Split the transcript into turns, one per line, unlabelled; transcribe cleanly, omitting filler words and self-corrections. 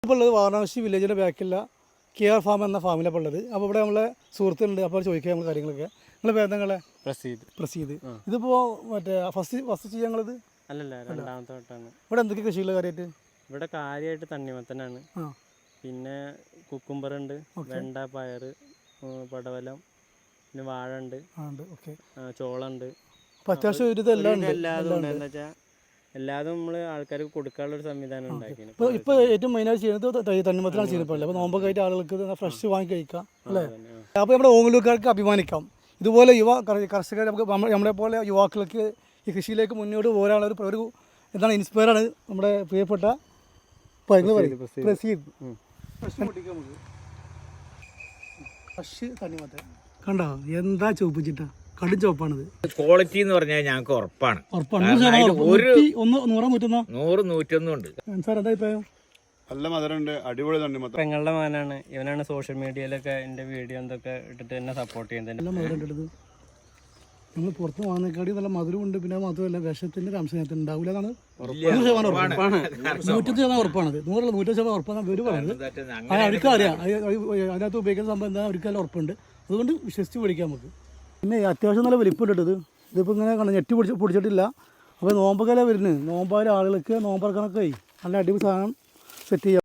നമ്മളിപ്പോൾ ഉള്ളത് വാരണാസി വില്ലേജിൻ്റെ ബാക്കിലുള്ള KR ഫാം എന്ന ഫാമിലാണ് ഉള്ളത്. അപ്പോൾ ഇവിടെ നമ്മളെ സുഹൃത്തുണ്ട്. അപ്പോൾ ചോദിക്കാം നമ്മൾ കാര്യങ്ങളൊക്കെ. നിങ്ങളെ പേരെന്താ? പ്രസീദ്. ഇതിപ്പോൾ മറ്റേ ഫസ്റ്റ് ചെയ്യാൻ ഞങ്ങളിത്
അല്ലല്ല, രണ്ടാമത്തെ വട്ടമാണ്.
ഇവിടെ എന്തൊക്കെ കൃഷികൾ കാര്യമായിട്ട്?
ഇവിടെ കാര്യമായിട്ട് തണ്ണിമത്തനാണ്, പിന്നെ കുക്കുംബർ ഉണ്ട്, വെണ്ട, പയർ, പടവലം, പിന്നെ വാഴ ഉണ്ട്, ചോളുണ്ട്.
അപ്പോൾ അത്യാവശ്യം ഒരു ഇതെല്ലാം
എല്ലാതും ഉണ്ട്. എന്താ വെച്ചാൽ എല്ലാതും നമ്മൾ ആൾക്കാർക്ക് കൊടുക്കാനുള്ള ഒരു സംവിധാനം ഉണ്ടാക്കിയാണ്.
ഇപ്പോൾ ഏറ്റവും മെയിനായിട്ട് ചെയ്യുന്നത് തണ്ണിമത്തനാണ് ചെയ്യുന്നത്. അപ്പോൾ നോമ്പൊക്കെ ആയിട്ട് ആളുകൾക്ക് ഫ്രഷ് വാങ്ങി കഴിക്കാം അല്ലേ? അപ്പോൾ നമ്മുടെ ഓങ്ങല്ലൂർക്കാർക്ക് അഭിമാനിക്കാം. ഇതുപോലെ കർഷകർ നമ്മളെ പോലെ യുവാക്കൾക്ക് ഈ കൃഷിയിലേക്ക് മുന്നോട്ട് പോരാനുള്ള ഒരു എന്താണ് ഇൻസ്പയറാണ് നമ്മുടെ പ്രിയപ്പെട്ട പ്രസീദ്. ഫ്രഷ് തണ്ണിമത്തൻ കണ്ടോ, എന്താ ചോപ്പിച്ചിട്ടാ, കടും ചോപ്പാണിത്.
ക്വാളിറ്റി എന്ന് പറഞ്ഞാൽ ഞങ്ങൾക്ക് ഉറപ്പാണ്. 100-101 ഉണ്ട്.
സാർ എന്താ അഭിപ്രായം?
നല്ല മധുരമുണ്ട്, അടിപൊളി തണ്ണിമത്തൻ.
പെങ്ങളുടെ മകനാണ്, ഇവനാണ് സോഷ്യൽ മീഡിയയിലൊക്കെ എൻ്റെ വീഡിയോ എന്തൊക്കെ ഇട്ടിട്ട് എന്നെ സപ്പോർട്ട് ചെയ്യുന്നത്.
നല്ല മധുരം എടുത്തത് നമ്മൾ പുറത്ത് വാങ്ങുന്നേക്കാടി നല്ല മധുരമുണ്ട്. പിന്നെ മാത്രമല്ല വിഷത്തിൻ്റെ ഒരു അംശം അതിനകത്ത് ഉണ്ടാവില്ല എന്നാണ് 100% ഉറപ്പാണ്. 100% ഉറപ്പാണത്. 100% ഉറപ്പാണ് ഇവർ പറയുന്നത്. അവർക്കും അറിയാം അതിനകത്ത് ഉപയോഗിക്കുന്ന സംഭവം എന്താ, അവർക്കെല്ലാം ഉറപ്പുണ്ട്. അതുകൊണ്ട് വിശ്വസിച്ച് മേടിക്കാം നമുക്ക്. പിന്നെ അത്യാവശ്യം നല്ല വലിപ്പമുണ്ട് ഇത്. ഇതിപ്പോൾ ഇങ്ങനെ ഞെട്ടി പൊടിച്ചിട്ടില്ല. അപ്പോൾ നോമ്പൊക്കെ വരുന്നത്, നോമ്പായ ആളുകൾക്ക് നോമ്പറക്കണൊക്കെ നല്ല അടിപൊളി സാധനം സെറ്റ് ചെയ്യാം.